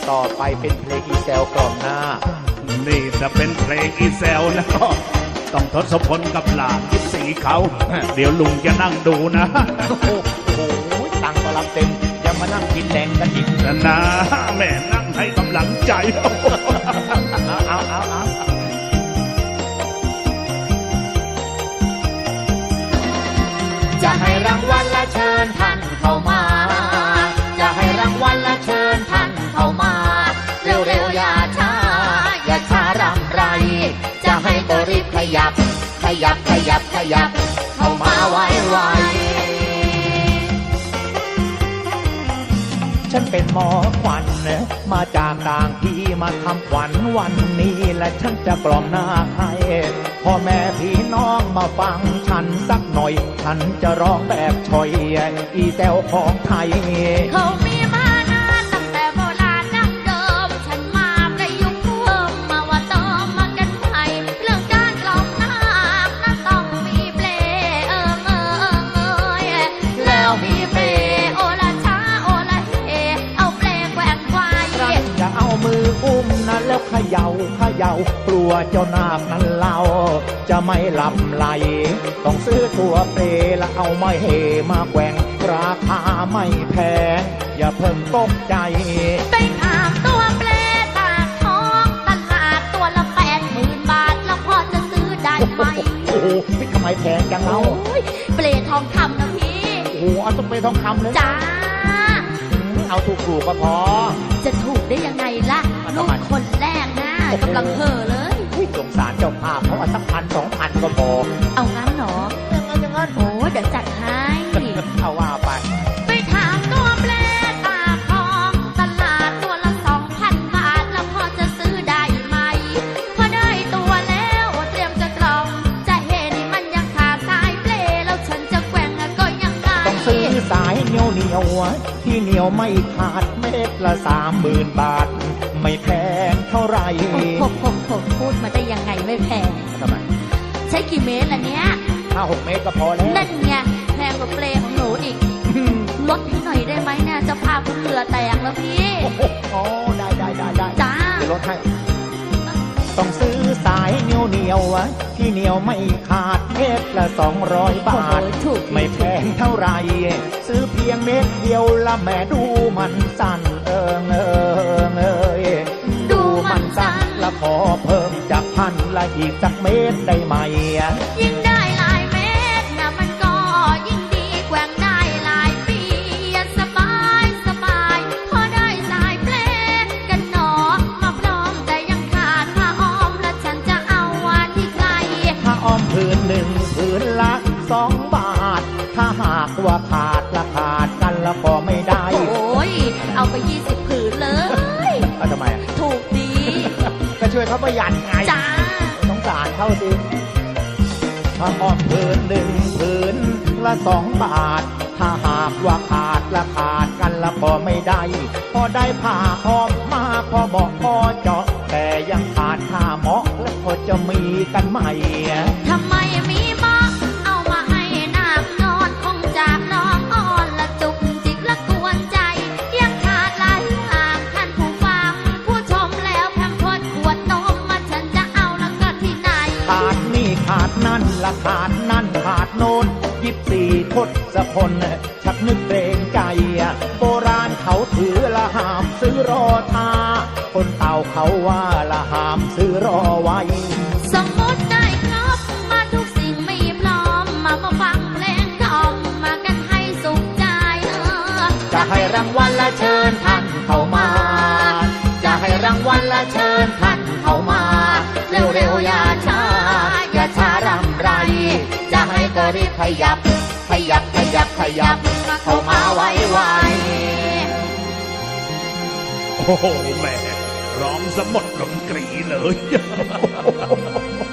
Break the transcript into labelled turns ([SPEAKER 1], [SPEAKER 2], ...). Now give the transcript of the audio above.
[SPEAKER 1] ต่อไปเป็นเพลงอีแซวกล่อมหน้า
[SPEAKER 2] นี่จะเป็นเพลงอีแซวแล้วก็ต้องทศพลกับหลานยิบสีเขาเดี๋ยวลุงจะนั่งดูนะ
[SPEAKER 1] โอ้โหตังก็รับเต็มยังมานั่งกินแดงกันอีก
[SPEAKER 2] นะแม่นั่งให้กำลังใจ
[SPEAKER 1] เอาจะให้รางวัลและเชิญท่านเข้ามาจะให้รางวัลและเชิญท่านเข้ามาเร็วๆอย่าช้าอย่าช้ารำไรจะให้ก็รีบขยับเข้ามาไวๆฉันเป็นหมอขวัญมาจากต่างที่มาทำขวัญวันนี้และฉันจะกล่อมหน้าให้พ่อแม่พี่น้องมาฟังฉันสักหน่อยฉันจะร้องแบบชอยอีแซวของไทย
[SPEAKER 3] เขามีมานานตั้งแต่โบราณดั้งเดิมฉันมาประยุกต์เพิ่มมาว่าต้องมากันใหม่เรื่องการกล่อมนาคนั้นต้องมีเปลแล้วมีเปลโอละช้าโอละเฮเอาเปลแกว่งไกว
[SPEAKER 1] จะเอามืออุ้มนั้นแล้วเขย่ากลัวเจ้านาคนั้นเล่าจะไม่ลำไหลต้องซื้อตัวเปรแล้วเอาไม้เฮมาแกว่งราคาไม่แพงอย่าเพิ่งตกใจ
[SPEAKER 3] ไปถามตัวเปรตากทองตลาดตัวละ80,000 บาทแล้วพอจะซื้อได้ไหม
[SPEAKER 1] โอ้โหพี่ทำไมแพงจังเรา
[SPEAKER 3] เปรทองคำนะพี่
[SPEAKER 1] โอ้โหเอาต้องเปรทองคำเลย
[SPEAKER 3] จ้า
[SPEAKER 1] เอาถูกก็พอ
[SPEAKER 3] จะถูกได้ยังไงล่ะลูกคนแรกนะกำลังเห่อเลย
[SPEAKER 1] สงสารเจ้าภาพเขาสัก1,000-2,000ก็พอ
[SPEAKER 3] เอางั้นเหรอ
[SPEAKER 1] อย่างนั้น
[SPEAKER 3] โอ้เดี๋ยวจัดให้
[SPEAKER 1] เอาว่า
[SPEAKER 3] ไปถามตัวเปรตาทองตลาดตัวละ2,000 บาทแล้วพอจะซื้อได้ไหมพอได้ตัวแล้วเตรียมจะกล่อมจะเห็นมันยังขาดสายเปลแล้วฉันจะแกว่งก็ยังไง
[SPEAKER 1] ต้องซื้อสายเหนียวที่เหนียวไม่ขาดเม็ดละ30,000 บาทไม่แพงเท่าไร
[SPEAKER 3] พูดมาได้ยังไงไม่แพง
[SPEAKER 1] ทำไม
[SPEAKER 3] ใช้กี่เมตรล่ะเนี้ย
[SPEAKER 1] 5-6 เมตรก็พอแล้ว
[SPEAKER 3] นั่นไงแพงกว่าเปลของหนูอีกลดหน่อยได้ไหมเนี่ยจะพาคุณเหลือแตกแล้วพี่
[SPEAKER 1] โอ้ได้
[SPEAKER 3] จ้า
[SPEAKER 1] ลดให้ต้องซื้อสายเหนียวที่เหนียวไม่ขาดเม็ดละ200 บาทไม่แพงเท่าไรซื้อเพียงเม็ดเดียวละแม่ดูมันสั้นดูมันสั้นละขอเพิ่มจาก1,000ละอีกสักเม็ดได้ไหม
[SPEAKER 3] ยิ่งได้หลายเม็ดนะมันก็ยิ่งดีแกว่งได้หลายปีสบายพอได้สายเปลกันหนอมาพร้อมแต่ยังขาดผ้าอ้อมและฉันจะเอาวันที่ใคร
[SPEAKER 1] ผ้าอ้อมผืนละ2 บาทถ้าหากว่าขาดกันแล้วก็ไม่ได้
[SPEAKER 3] โอ้ยเอาไป20 ผืนเลย
[SPEAKER 1] ทำไม
[SPEAKER 3] ถูกดี
[SPEAKER 1] ก็ช่วยเขาประหยัดไง
[SPEAKER 3] จ้า
[SPEAKER 1] สงสารเขาสิผ้าอ้อมผืนละ2 บาทถ้าหากว่าขาดกันแล้วก็ไม่ได้พอได้ผ้าอ้อมมาพอบอกพอเจาะแต่ยังขาดผ้าเหมาะแล้วพอจะมีกันไหม
[SPEAKER 3] ทำไมมีเหมาะเอามาให้นาคนอนคงจากน้องอ่อนละจุกจิกละกวนใจยังขาดหลายอย่างท่านผู้ฟังผู้ชมแล้วแพมเพิร์สขวดนมมาฉันจะเอาแล้วก็ที่ไหน
[SPEAKER 1] ขาดนี่ขาดนั่นละขาดนั่นขาดโน้น24 ทศพลชักนึกเกรงใจโบราณเขาถือละห้ามซื้อรอท่าคนเต่าเขาว่าละห้ามซื้อรอไว้
[SPEAKER 3] สมมติได้ครบมาทุกสิ่งมีพร้อมมาฟังเพลงกล่อมมากันให้สุขใจ
[SPEAKER 1] จะให้รางวัลและเชิญท่านเข้ามาจะให้รางวัลและเชิญท่านเข้ามาเร็วๆอย่าช้ารำไรจะให้ก็รีบขยับเข้ามาไว
[SPEAKER 2] ๆโอ้โหแม่ร้องสมดดนตรีเลย